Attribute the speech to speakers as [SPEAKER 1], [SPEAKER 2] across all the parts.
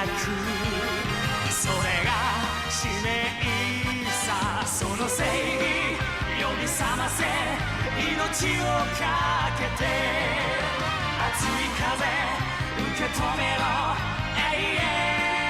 [SPEAKER 1] くそれが使命さその正義呼び覚ませ命をかけて熱い風受け止めろ永遠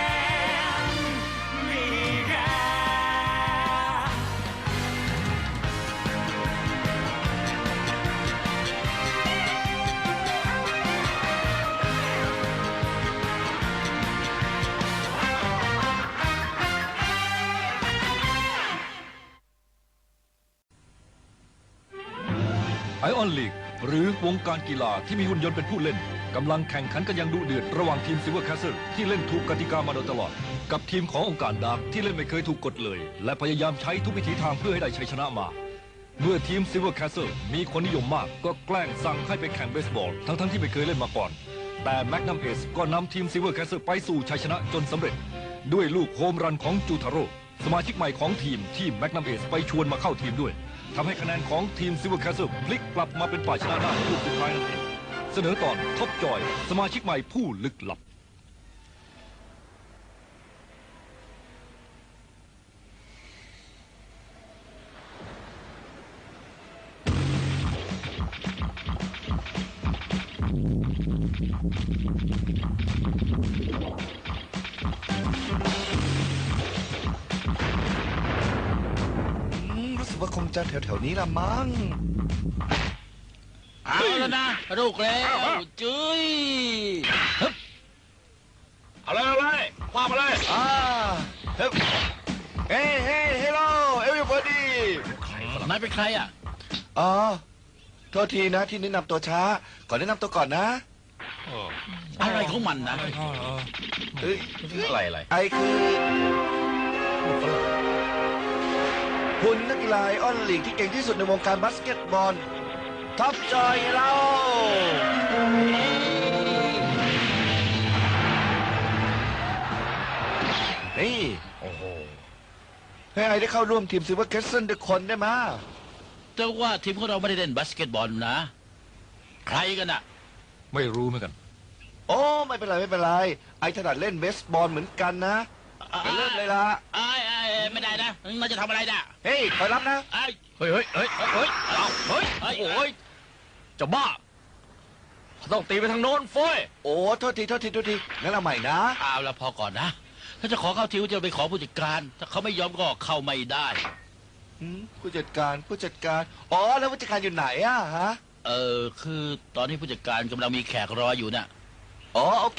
[SPEAKER 2] ไอออนลีกหรือวงการกีฬาที่มีหุ่นยนต์เป็นผู้เล่นกำลังแข่งขันกันอย่างดุเดือดระหว่างทีมซิลเวอร์แคสเซิลที่เล่นถูกกติกามาโดยตลอดกับทีมขององค์การดาร์กที่เล่นไม่เคยถูกกฎเลยและพยายามใช้ทุกวิถีทางเพื่อให้ได้ชัยชนะมาเมื่อทีมซิลเวอร์แคสเซิลมีคนนิยมมากก็แกล้งสั่งให้ไปแข่งเบสบอลทั้งที่ไม่เคยเล่นมาก่อนแต่แมกนัมเอสก็นำทีมซิลเวอร์แคสเซิลไปสู่ชัยชนะจนสำเร็จด้วยลูกโฮมรันของจูทาโร่สมาชิกใหม่ของทีมที่แมกนัมเอสไปชวนมาเข้าทีมด้วยทำให้คะแนนของทีมซิลเวอร์แคสเซิลพลิกกลับมาเป็นฝ่ายชนะได้ลูกสุดท้ายนั่นเองเสนอตอนท็อปจอยสมาชิกใหม่ผู้ลึกลับ
[SPEAKER 3] รู้สึกว่าคงจะแถวๆนี้ละมั้ง
[SPEAKER 4] เอาแล้วนะลูกแล้วจุ้ย
[SPEAKER 2] อะไรว่ามาเลย
[SPEAKER 3] เฮ้เฮ้เฮลโลเอวิบอดี้
[SPEAKER 4] นายเป็นใครอ่ะ
[SPEAKER 3] อ๋อโทษทีนะที่แนะนำตัวช้าขอแนะนำตัวก่อนนะ
[SPEAKER 4] อะไรของมันนะ
[SPEAKER 3] อะไรไอคือคุณนักกีฬาไอออนลีกที่เก่งที่สุดในวงการบาสเกตบอลท็อปจอยเรานี่โอ้โหให้ไอได้เข้าร่วมทีมซิลเวอร์แคสเซิลด้วยคนได้มา
[SPEAKER 4] แต่ว่าทีมของเราไม่ได้เล่นบาสเกตบอลนะใครกันอ่ะ
[SPEAKER 2] ไม่รู้เหมือนกัน
[SPEAKER 3] โอ้ไม่เป็นไรไอถนัดเล่นเบสบอลเหมือนกันนะไปเริ่มเลยล่ะ
[SPEAKER 4] ไม่ได้นะเราจะทำอะไรนะ
[SPEAKER 3] เฮ้ยคอยรับนะ
[SPEAKER 4] เฮ้ยโอ้ยจะบ้าต้องตีไปทางโน้นฟอย
[SPEAKER 3] โอ้โทษทีงั้นเราใหม่นะ
[SPEAKER 4] เอาละพอก่อนนะถ้าจะขอเข้าทีมจะไปขอผู้จัดการถ้าเขาไม่ยอมก็เข้าไม่ได้
[SPEAKER 3] ผู้จัดการอ๋อแล้วผู้จัดการอยู่ไหนอะฮะ
[SPEAKER 4] คือตอนนี้ผู้จัดการกำลังมีแขกรออยู่น่ะ
[SPEAKER 3] อ๋อโอเค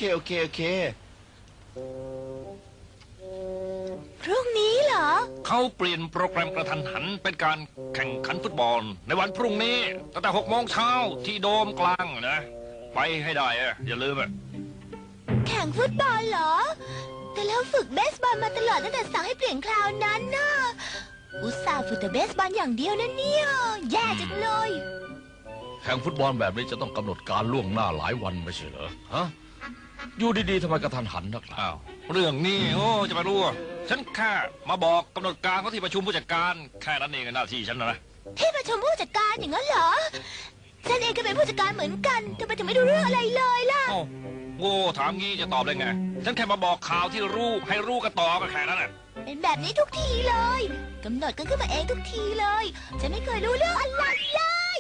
[SPEAKER 5] พรุ่งนี้เหรอ
[SPEAKER 2] เขาเปลี่ยนโปรแกรมกระทันหันเป็นการแข่งขันฟุตบอลในวันพรุ่งนี้ตั้งแต่6 โมงเช้าที่โดมกลางนะไปให้ได้อย่าลืม
[SPEAKER 5] แข่งฟุตบอลเหรอแต่แล้วฝึกเบสบอลมาตลอดตั้งแต่สั่งให้เปลี่ยนคราวนั้นน่ะอุตส่าห์ฝึกแต่เบสบอลอย่างเดียวนะเนี่ยแย่จังเลย
[SPEAKER 6] แข่งฟุตบอลแบบนี้จะต้องกำหนดการล่วงหน้าหลายวันไม่ใช่เหรอฮะอยู่ดีๆทำไมกระทันหันนักล่ะ
[SPEAKER 2] อ้าวเรื่องนี้จะไปรู้ฉันแค่มาบอกกำหนดการเขาที่ประชุมผู้จัดการแค่นั้นเองหน้าที่ฉันนะ
[SPEAKER 5] ที่ประชุมผู้จัดการอย่างนั้นเหรอฉันเองก็เป็นผู้จัดการเหมือนกันทำไมถึงไม่รู้เรื่องอะไรเลยล่ะ
[SPEAKER 2] โง่ถามงี้จะตอบได้ไงฉันแค่มาบอกข่าวที่รู้ให้รู้กันต่อก็แค่นั้นแหละ
[SPEAKER 5] เป็นแบบนี้ทุกทีเลยกำหนดกันขึ้นมาเองทุกทีเลยฉันไม่เคยรู้เรื่องอะไรเลย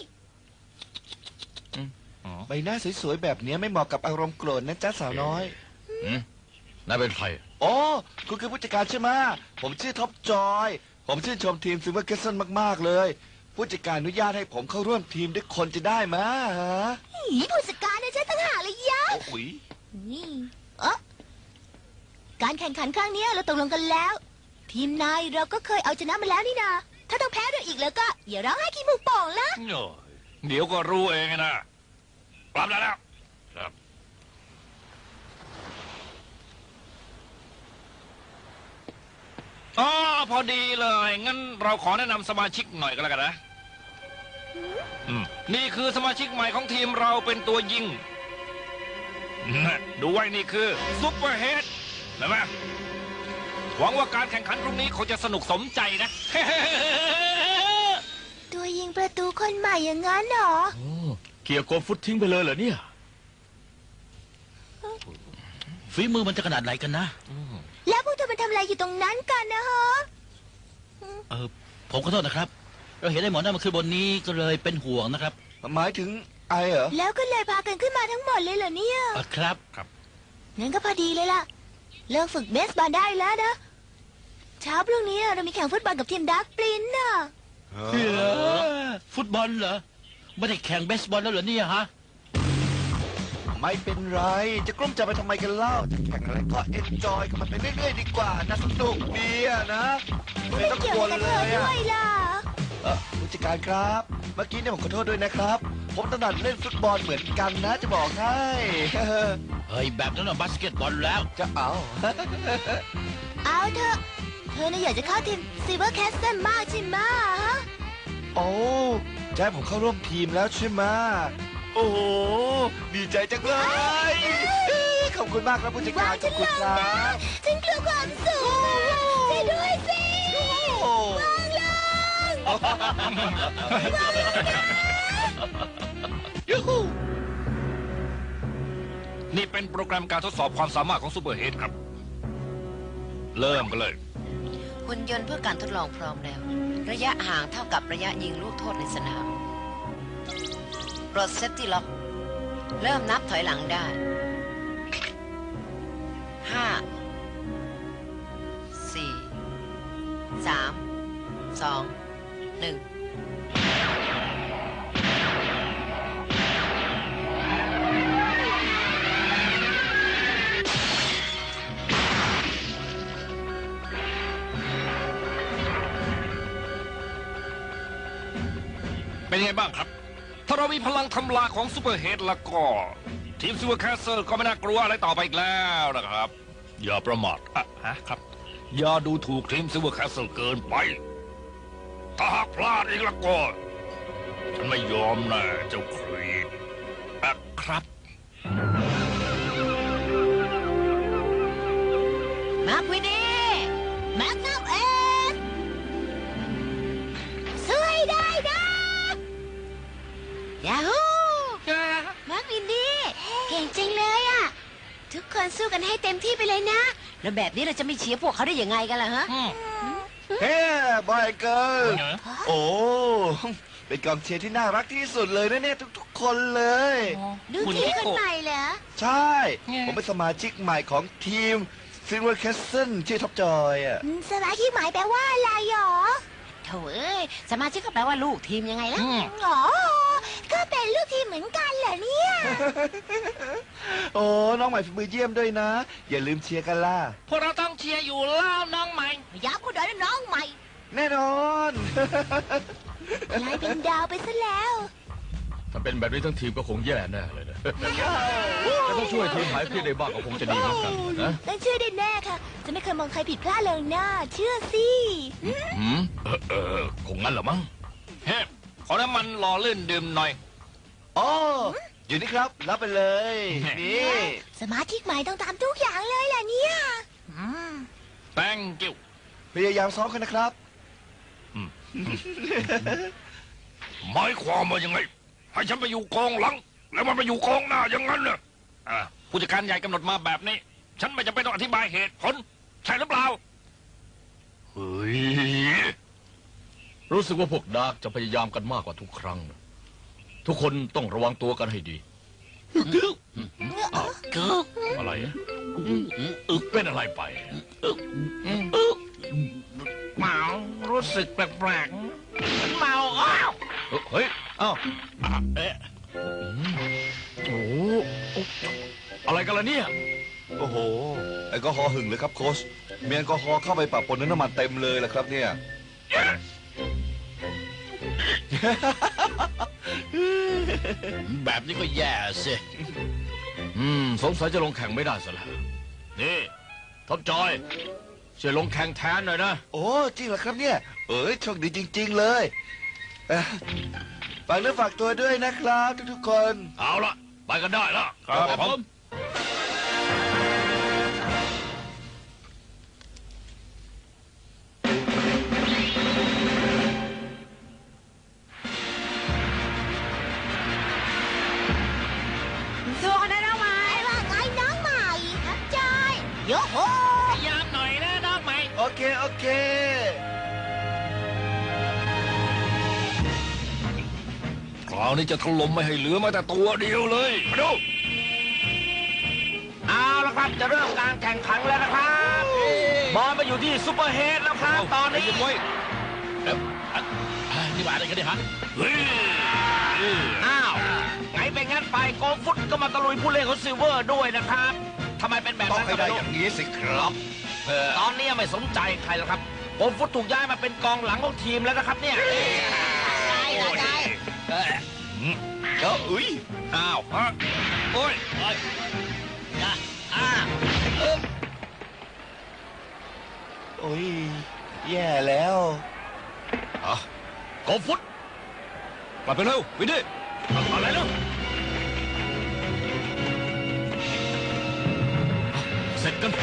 [SPEAKER 3] ใบหน้าสวยๆแบบนี้ไม่เหมาะกับอารมณ์โกรธนะจ๊ะสาวน้อย
[SPEAKER 6] นายเป็นใคร
[SPEAKER 3] อ๋อคุณคือผู้จัดการใช่ไหมผมชื่อท็อปจอยผมชื่นชมทีมซิลเวอร์แคสเซิลมากๆเลยผู้จัดการอนุญาตให้ผมเข้าร่วมทีมด้วยคนจะได้ไหมฮะ
[SPEAKER 5] ผู้จัดการเนี่ยฉันต่างหากเลยยะนี่การแข่งขันครั้งนี้เราตกลงกันแล้วทีมนายเราก็เคยเอาชนะมาแล้วนี่นาถ้าต้องแพ้ด้วยอีกแล้วก็อย่าร้องไห้ขี้มูกป่องละ
[SPEAKER 2] เดี๋ยวก็รู้เองนะกลับแล้วครับอ๋อพอดีเลยงั้นเราขอแนะนำสมาชิกหน่อยก็แล้วกันนะนี่คือสมาชิกใหม่ของทีมเราเป็นตัวยิงดูไว้นี่คือซุปเปอร์เฮดเห็นไหมหวังว่าการแข่งขันพรุ่งนี้คงจะสนุกสมใจนะ
[SPEAKER 5] ตัวยิงประตูคนใหม่อย่างนั้นเหรอ
[SPEAKER 6] เกี่ยวกับฟุตทิ้งไปเลยเหรอเนี่ย
[SPEAKER 7] ฝีมือมันจะขนาดไหนกันนะ
[SPEAKER 5] แล้วพวกเธอมาทำอะไรอยู่ตรงนั้นกันนะฮะ
[SPEAKER 7] ผมขอโทษนะครับเราเห็นไอ้หมอนั่นมาขึ้นบนนี้ก็เลยเป็นห่วงนะครับ
[SPEAKER 3] หมายถึงไอเหรอ
[SPEAKER 5] แล้วก็เลยพากันขึ้นมาทั้งหมดเลยเหรอเนี่ย
[SPEAKER 7] ครับ
[SPEAKER 5] งั้นก็พอดีเลยล่ะ เลิกฝึกเบสบอลได้แล้วนะ เช้าพรุ่งนี้เรามีแข่งฟุตบอลกับทีมดักปลินน่ะ
[SPEAKER 7] ฟุตบอลเหรอไม่ได้แข่งเบสบอลแล้วเหรอเนี่ยฮะ
[SPEAKER 3] ไม่เป็นไร จะกลุ้มใจไปทำไมกันเล่า จะแข่งอะไรก็เอนจอยกับมันไปเรื่อยๆดีกว่านะสนุกดีอะนะไม่ต้อง
[SPEAKER 5] เกี่ยว
[SPEAKER 3] กลัว
[SPEAKER 5] กับ
[SPEAKER 3] เล
[SPEAKER 5] เธอย
[SPEAKER 3] อะ
[SPEAKER 5] ด้วยล่ะ
[SPEAKER 3] ผู้จัดการครับ เมื่อกี้เนี่ยผมขอโทษด้วยนะครับ ผมถนัดเล่นฟุตบอลเหมือนกันนะจะบอกให้
[SPEAKER 7] เฮ้ยแบบนั้นน่ะบาสเกตบอลแล้ว
[SPEAKER 3] จะเอา
[SPEAKER 5] เอาเถอะ เธอน่ะอยากจะเข้าทีมซิลเวอร์แคสเซิลมากใช่ไหมฮะ
[SPEAKER 3] โอ้จะให้ผมเข้าร่วมทีมแล้วใช่ไหมโอ้โห ดีใจจังเลย ขอบคุณมากครับผู้จัดการ ขอบคุณครับ
[SPEAKER 5] ฉันกลัวความสูงช่วยด้วยสิ
[SPEAKER 3] โอ้
[SPEAKER 5] วางลง
[SPEAKER 3] ยูฮู
[SPEAKER 2] นี่เป็นโปรแกรมการทดสอบความสามารถของซูเปอร์เฮดครับ เริ่มกันเลย
[SPEAKER 8] หุ่นยนต์เพื่อการทดลองพร้อมแล้ว ระยะห่างเท่ากับระยะยิงลูกโทษในสนามปลดเซฟตี้ล็อก เริ่มนับถอยหลังได้ 5 4 3 2 1
[SPEAKER 2] เป็นไงบ้างครับ ถ้าเรามีพลังทำลายของซูเปอร์เฮดแล้วก็ ทีมซิลเวอร์แคสเซิลก็ไม่น่ากลัวอะไรต่อไปอีกแล้วนะครับ อย่าประมาทครับ อย่าดูถูกทีมซิลเวอร์แคสเซิลเกินไป ถ้าหากพลาดอีกแล้วก็ ฉันไม่ยอมนะเจ้าครีดครับ
[SPEAKER 8] มาร์ควินี
[SPEAKER 5] แมกนัมเอสช่วยได้นะ
[SPEAKER 8] ยาฮู
[SPEAKER 5] มาร์ควินดี้เก่งจริงเลยอ่ะ ทุกคนสู้กันให้เต็มที่ไปเลยนะ
[SPEAKER 8] แล้วแบบนี้เราจะไม่เชียร์พวกเขาได้ยังไงกันล่ะฮะ
[SPEAKER 3] เฮ้บอยเกิร์ลโอ้ เป็นกองเชียร์ที่น่ารักที่สุดเลยนะเนี่ยทุกๆคนเลย
[SPEAKER 5] ดูทีมคนใหม่เหรอ
[SPEAKER 3] ใช่ ผมเป็นสมาชิกใหม่ของทีมซิลเวอร์แคสเซิลชื่อท็อปจอยอ่ะ
[SPEAKER 5] สมาชิกใหม่แปลว่าอะไรหรอ
[SPEAKER 8] โถเอ้ย สมาชิกก็แปลว่าลูกทีมยังไงล่ะ
[SPEAKER 5] อ๋อ ก็เป็นลูกทีมเหมือนกันเหรอเนี่ย
[SPEAKER 3] โอ้ น้องใหม่ฝีมือเยี่ยมด้วยนะ อย่าลืมเชียร์กันล่ะ
[SPEAKER 7] พวกเราต้องเชียร์อยู่แล้วน้องใหม่
[SPEAKER 5] ย้ำกูหน่อยนะน้องใหม่
[SPEAKER 3] แน่นอน
[SPEAKER 5] กลายเป็นดาวไปซะแล้ว
[SPEAKER 6] ถ้าเป็นแบบนี้ทั้งทีมก็คงแย่แน่เลยนะ แต่ต้องช่วยทีมหายเครียดได้บ้างก็คงจะดีเหมือนกันนะ
[SPEAKER 5] ต้องเชื่อได้แน่ค่ะ จะไม่เคยมองใครผิดพลาดเลยนะเชื่อสิ
[SPEAKER 6] หืมคงงั้นเหรอมั้ง
[SPEAKER 2] เฮ้ขอน้ำมันหล่อลื่นดื่มหน่อย
[SPEAKER 3] อ๋อ อยู่นี่ครับ รับไปเลย นี่
[SPEAKER 5] สมาชิกใหม่ต้องตามทุกอย่างเลยล่ะเนี่ย
[SPEAKER 2] thank you
[SPEAKER 3] พยายามซ้อมกันนะครับ
[SPEAKER 2] หมายความว่ายังไง ให้ฉันไปอยู่กองหลัง แล้วมันไปอยู่กองหน้าอย่างนั้นเน่ะผู้จัดการใหญ่กำหนดมาแบบนี้ ฉันไม่จำเป็นต้องอธิบายเหตุผล ใช่หรือเปล่า เฮ้ย
[SPEAKER 6] รู้สึกว่าพวกดาร์กจะพยายามกันมากกว่าทุกครั้งนะทุกคนต้องระวังตัวกันให้ดีอะไรอะเป็นอะไรไป
[SPEAKER 7] เมารู้สึกแปลกๆเมาอ้าว
[SPEAKER 6] เฮ้ย อ้าว
[SPEAKER 7] เอ๊ะ
[SPEAKER 6] โอ้โหอะไรกันล่ะเนี่ย
[SPEAKER 3] โอ้โห แอลกอฮอล์หึงเลยครับโค้ชมีแอลกอฮอล์เข้าไปปะปนน้ำมันเต็มเลยละครับเนี่ย
[SPEAKER 7] แบบนี้ก็แย่สิ
[SPEAKER 6] สงสัยจะลงแข่งไม่ได้ซะแล้ว นี่ท็อปจอยช่วยลงแข่งแทนหน่อยนะ
[SPEAKER 3] โอ้ จริงเหรอครับเนี่ย เอ้ยโชคดีจริง ๆ เลยฝากเนื้อฝากตัวด้วยนะครับทุกๆคน
[SPEAKER 6] เอาละไปกันได้ละ
[SPEAKER 2] ครับผม
[SPEAKER 8] สู้กันได้แล้วไหม
[SPEAKER 5] ไอ้ว่าไงน้องใหม่ครับจอ
[SPEAKER 3] เค โอเค
[SPEAKER 2] คราวนี้จะถล่มไม่ให้เหลือแม้แต่ตัวเดียวเลยมาดู
[SPEAKER 6] เอาละครับจะเริ่มการแข่งขันแล้วนะครับบอลมาอยู่ที่ซูเปอร์เฮดแล้วครับตอนนี้
[SPEAKER 2] ใจเย็ไว้
[SPEAKER 7] นี่มาอะไรกันเนี่ยฮะ
[SPEAKER 2] เฮ้ย
[SPEAKER 6] อ้าวไงเป็นงั้นไปโกฟุตก็มาตะลุยผู้เล่นของซิลเวอร์ด้วยนะครับทำไมเป็นแบบ
[SPEAKER 3] ต้อง
[SPEAKER 6] นั้น
[SPEAKER 3] ให้
[SPEAKER 6] ก็
[SPEAKER 3] ได้
[SPEAKER 6] ไม่
[SPEAKER 3] อ
[SPEAKER 6] รู้
[SPEAKER 3] ย่างนี้สิครับ
[SPEAKER 6] ตอนนี้ไม่สนใจใครแล้วครับโกฟุตถูกย้ายมาเป็นกองหลังของทีมแล้วนะครับเนี่ย
[SPEAKER 3] ก็อุ้ย
[SPEAKER 2] อ้าวฮะโอ้ย
[SPEAKER 3] โอ้ย แย่แล้ว
[SPEAKER 2] อ่ะโกฟุตกลับไปเร็ววินดี้
[SPEAKER 6] อะไรเนาะ
[SPEAKER 2] เสร็จกัน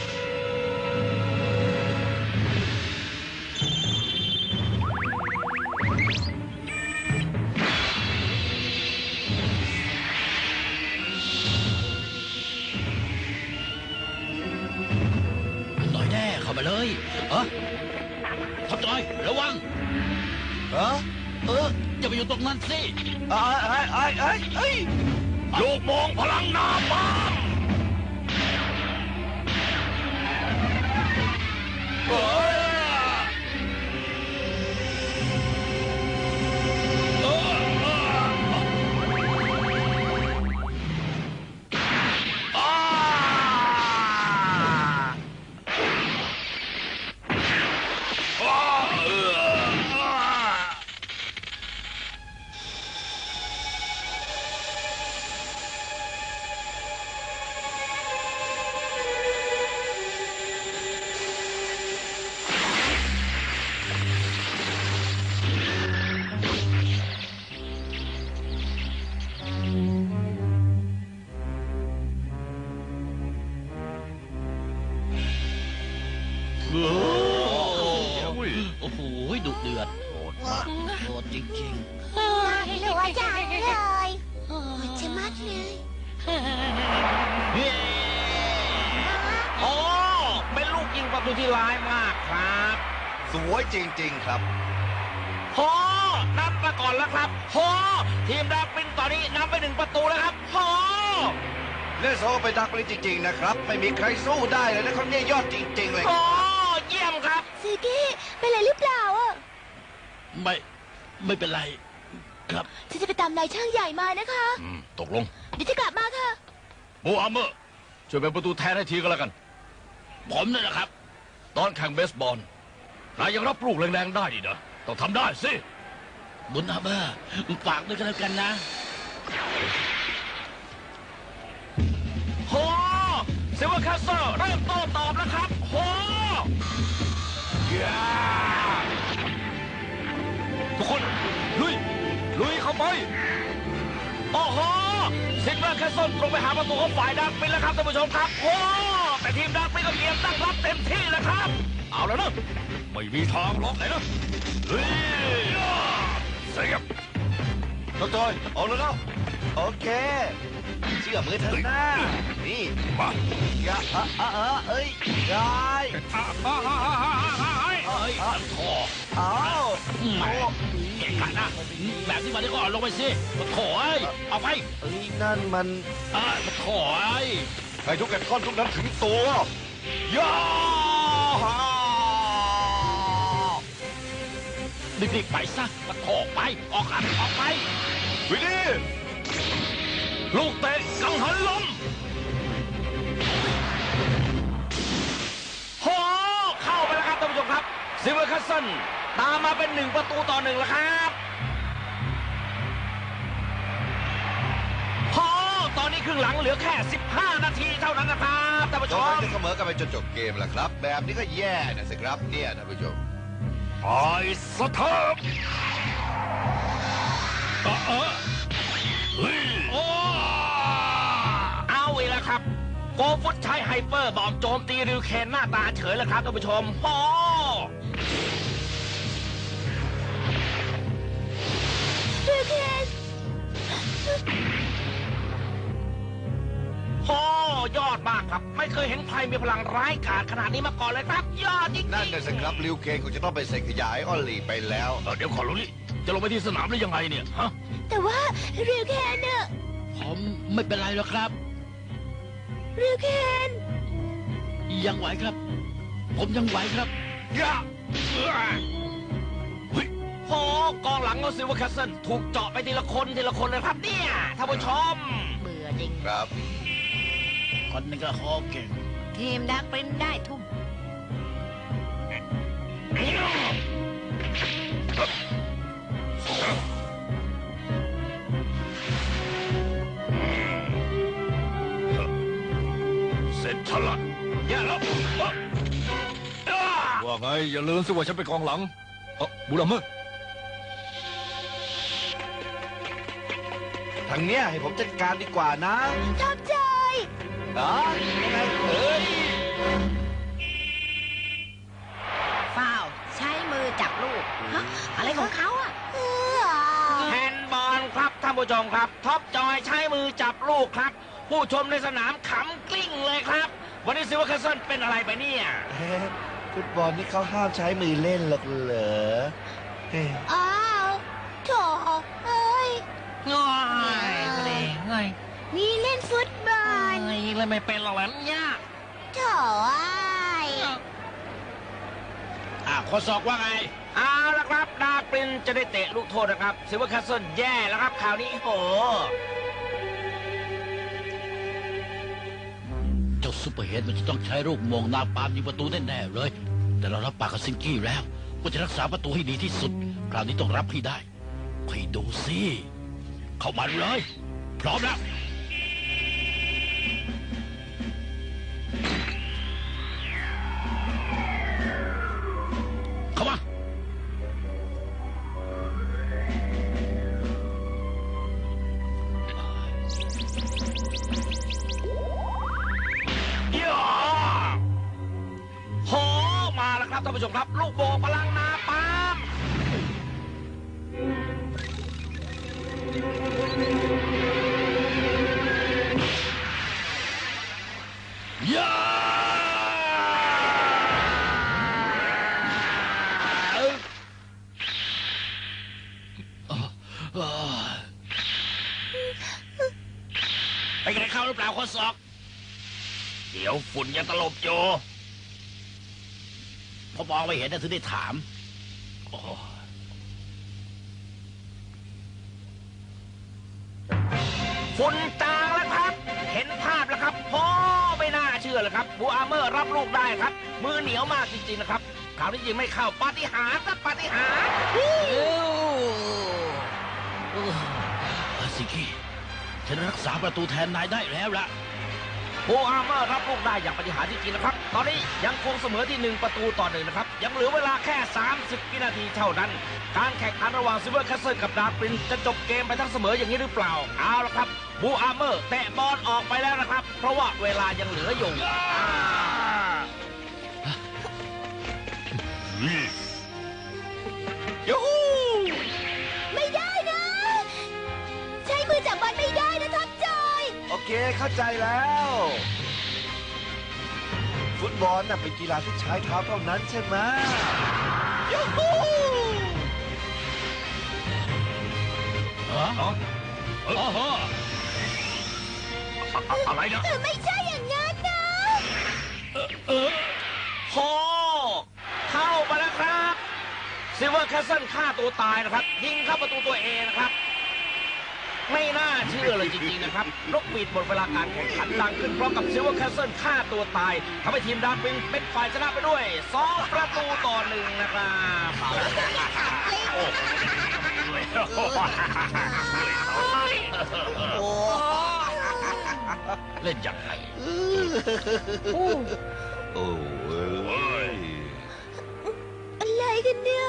[SPEAKER 7] หน่อยแน่เข้ามาเลยทับจอยระวัง
[SPEAKER 3] ฮะ
[SPEAKER 7] อย่าไปอยู่ตรงนั้นสิ
[SPEAKER 3] ไอ้
[SPEAKER 6] ลูกโมงพลังนาปาม
[SPEAKER 7] โอ้โหดุเดือดโหดมากโหดจริง
[SPEAKER 5] หรือว่าจังเลยโอ้ยจะมัดเลย
[SPEAKER 6] โอ้เป็นลูกยิงประตูที่ร้ายมากครับ
[SPEAKER 3] สวยจริง ๆ ครับ
[SPEAKER 6] โหนับมาก่อนแล้วครับโหทีมดาวปินตอนนี้นำไป1 ประตูแล้วครับโห
[SPEAKER 3] เล่นโซไปดักเลยจริง ๆ นะครับ ไม่มีใครสู้ได้เลยนะครับเนี่ยยอดจริง ๆ เลย
[SPEAKER 6] โหเยี่ยมครับ
[SPEAKER 5] ซีกี้เป็นอะไรหรือเปล่าอ่ะ
[SPEAKER 7] ๆ ไม่เป็นไรครับ
[SPEAKER 5] ฉันจะไปตามนายช่างใหญ่มานะคะ
[SPEAKER 6] ตกลง
[SPEAKER 5] เดี๋ยวจะกลับมาค่ะ
[SPEAKER 6] โบอาร์เมอร์ช่วยเป็นประตูแทนให้ทีก็แล้วกัน
[SPEAKER 7] ผมนี่แหละครับ
[SPEAKER 6] ตอนแข่งเบสบอลนายยังรับลูกแรงๆได้ดินะต้องทำได้สิ
[SPEAKER 7] บุญอาเบอร์ฝากด้วยกันแล้วกันนะ
[SPEAKER 6] โหซิลเวอร์แคสเซิลเริ่มโต้ตอบแล้วครับโห
[SPEAKER 2] ทุกคนลุยเข้าไป
[SPEAKER 6] โอ้โหซิลเวอร์แคสเซิลตรงไปหาประตูของฝ่ายดักปินแล้วครับท่านผู้ชมครับโอ้แต่ทีมดักปินก็เตรียมตั้งรับเต็มที่แล้วครับ
[SPEAKER 2] เอาแล้วนะไม่มีทางหรอกไหนนะเฮ้ยเสียบ
[SPEAKER 3] น้องจอยเอาแล้วเนาะโอเค เชื่อมือเธอหน้า นี่
[SPEAKER 2] มา
[SPEAKER 3] อย่าเอ้ยยาย
[SPEAKER 7] เอ้ยขอ
[SPEAKER 3] เอา
[SPEAKER 7] แหมเก่งขนาดนะแบบที่มาได้ก็เอาลงไปสิขอเอ้ยเอาไป
[SPEAKER 3] เอ้ยนั่นมัน
[SPEAKER 7] ขอเอ้ย
[SPEAKER 3] ให้ทุกแกนก้อนทุกนั้นถึงตัวย่า
[SPEAKER 7] รีบๆไปซะมาขอไปออกไป
[SPEAKER 3] วินนี่
[SPEAKER 6] ลูกเตะกังหันลมโหเข้าไปแล้วครับท่านผู้ชมครับซิลเวอร์แคสเซิลตามมาเป็น1 ประตูต่อ 1แล้วครับโหตอนนี้ครึ่งหลังเหลือแค่ 15 นาทีเท่านั้นนะครับท่านผู้ช
[SPEAKER 3] จอย
[SPEAKER 6] ม
[SPEAKER 3] จะเสมอกันไปจนจบเกมแล้วครับ แบบนี้ก็แย่นะสิครับเนี่ยท่านผู้ชม
[SPEAKER 2] ไอ้สะเทิบเฮ้ย
[SPEAKER 6] เอาอีกแล้วครับโกฟุตใช้ไฮเปอร์บอมโจมตีริวเคนหน้าตาเฉยแล้วครับท่านผู้ชมโห
[SPEAKER 5] ดูเคน
[SPEAKER 6] โอ้ยอดมากครับ ไม่เคยเห็นใครมีพลังร้ายกาจขนาดนี้มาก่อนเลยครับ ยอดจริงๆ
[SPEAKER 3] นั่นน่ะสิครับลิวเคนคงจะต้องไปเซ็นขยายออลลีไปแล้ว
[SPEAKER 4] เดี๋ยวขอรู้นี่จะลงไปที่สนามได้ยังไงเนี่ยฮะ
[SPEAKER 5] แต่ว่าเรียวแคนน่ะ
[SPEAKER 7] ผมไม่เป็นไรหรอกครับ
[SPEAKER 5] เรียวแคน
[SPEAKER 7] ยังไหวครับ ผมยังไหวครับ
[SPEAKER 6] ยะเฮ้ยโอ้กองหลังของซิลเวอร์แคสเซิลถูกเจาะไปทีละคนเลยครับเนี่ยท่านผู้ชม
[SPEAKER 8] เบื่อจริง
[SPEAKER 3] ครับ
[SPEAKER 7] คนนึงก็โคเก่ง
[SPEAKER 8] ทีมดักปรินได้ทุ่ม
[SPEAKER 4] เสร็จฉลัดแย่แล้ว
[SPEAKER 2] ว่าไงอย่าลืมสิว่าฉันเป็นกองหลังบูรัมเมอร์
[SPEAKER 3] ทางเนี้ยให้ผมจัดการดีกว่านะ
[SPEAKER 5] ชอบใจ
[SPEAKER 3] ยังไงเอ้ย
[SPEAKER 8] ฟ้าวใช้มือจับลูกฮะอะไรของเขาอ่ะ
[SPEAKER 6] แฮนด์บอลครับท่านผู้ชมครับ ท็อปจอยใช้มือจับลูกครับ ผู้ชมในสนามขำกลิ้งเลยครับ วันนี้ซิลเวอร์แคสเซิลเป็นอะไรไปเนี่ย
[SPEAKER 3] ฟุตบอลนี่เขาห้ามใช้มือเล่นหรอกเหรอเฮ้ย
[SPEAKER 5] อ้าวโถเอ้ย
[SPEAKER 6] ง่ายเลยง่าย
[SPEAKER 5] นี่เล่นฟุตบอล
[SPEAKER 6] เลยไม่เป็นหรอกเนี่ย
[SPEAKER 5] โถไอ้ย
[SPEAKER 7] ข้อศอกว่าไง
[SPEAKER 6] เอาละครับดาร์ปรินจะได้เตะลูกโทษนะครับซิลเวอร์แคสเซิลแย่แล้วครับคราวนี้โอ้โห
[SPEAKER 7] เจ้าซูเปอร์เฮดมันจะต้องใช้ลูกโมงนาปามยิงประตูแน่ๆเลย แต่เรารับปากกับซิงกี้แล้วว่าจะรักษาประตูให้ดีที่สุด คราวนี้ต้องรับให้ได้ไปดูสิเข้ามาเลย พร้อมแล้ว เข้ามา
[SPEAKER 6] ย่าโหมาแล้วครับท่านผู้ชมครับ ลูกโบกพลังนาปาม
[SPEAKER 7] ยาไปกันเข้าหรือเปล่าข้อศอก
[SPEAKER 6] เดี๋ยวฝุ่นยังตลบโย
[SPEAKER 7] พอมองไม่เห็นนะถึงได้ถาม
[SPEAKER 6] ฝุ่นจางแล้วครับ เห็นภาพแล้วครับโอ้ไม่น่าเชื่อเลยครับบูอาร์เมอร์รับลูกได้ครับ มือเหนียวมากจริงๆนะครับคราวนี้ยิงไม่เข้าปาฏิหาริย์ครับปาฏิหาริย์
[SPEAKER 7] ซิงกี้ฉันรักษาประตูแทนนายได้แล้วล่ะ
[SPEAKER 6] บูอาร์เมอร์รับลูกได้อย่างปาฏิหาริย์จริงๆนะครับ ตอนนี้ยังคงเสมอที่1-1นะครับ ยังเหลือเวลาแค่ 30 วินาทีเท่านั้น การแข่งขันระหว่างซิลเวอร์แคสเซิลกับดาร์ปรินจะจบเกมไปทั้งเสมออย่างนี้หรือเปล่า เอาละครับบูอาร์เมอร์แตะบอลออกไปแล้วนะครับ เพราะว่าเวลายังเหลืออยู่ยูฮู
[SPEAKER 5] ไม่ได้นะ ใช้มือจับบอลไม่ได้นะท็อปจอย
[SPEAKER 3] โอเคเข้าใจแล้ว ฟุตบอลน่ะเป็นกีฬาที่ใช้เท้าเท่านั้นใช่ไหมยูฮู
[SPEAKER 4] อะไรนะ
[SPEAKER 5] ไม่ใช่อย่างนั้นนะ
[SPEAKER 6] โหเข้ามาแล้วครับซิลเวอร์แคสเซิลฆ่าตัวตายนะครับ ยิงเข้าประตูตัวเองนะครับ ไม่น่าเชื่อเลยจริงๆนะครับนกหวีดหมดเวลาการแข่งขันดังขึ้นเพราะกับซิลเวอร์แคสเซิลฆ่าตัวตายทำให้ทีมดาร์ปรินเป็นฝ่ายชนะไปด้วย2-1นะครับโอ้
[SPEAKER 7] เล่นอย่างไร
[SPEAKER 3] โอ้ย
[SPEAKER 5] อะไรกันเนี่ย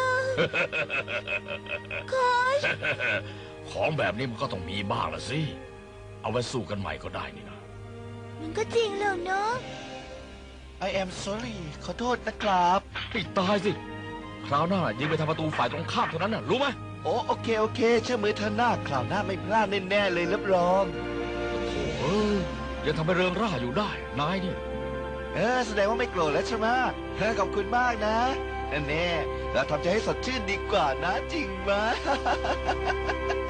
[SPEAKER 5] โค้ช
[SPEAKER 4] ของแบบนี้มันก็ต้องมีบ้างละสิ เอาไว้สู้กันใหม่ก็ได้นี่นะ
[SPEAKER 5] มันก็จริงแล้วเนาะ
[SPEAKER 3] I am sorry ขอโทษนะครับ
[SPEAKER 4] ปิดตายสิ คราวหน้ายิงไปทางประตูฝ่ายตรงข้ามเท่านั้นน่ะ รู้ไหม
[SPEAKER 3] โอเคเชื่อมือเธอหน้าคราวหน้าไม่พลาดแน่ๆเลยรับรอง
[SPEAKER 4] โอ้
[SPEAKER 2] ยังทำให้เริงร่าอยู่ได้ นายเนี่ย
[SPEAKER 3] แสดงว่าไม่โกรธแล้วใช่ไหมขอบคุณมากนะแน่เราทำใจให้สดชื่นดีกว่านะจริงไหม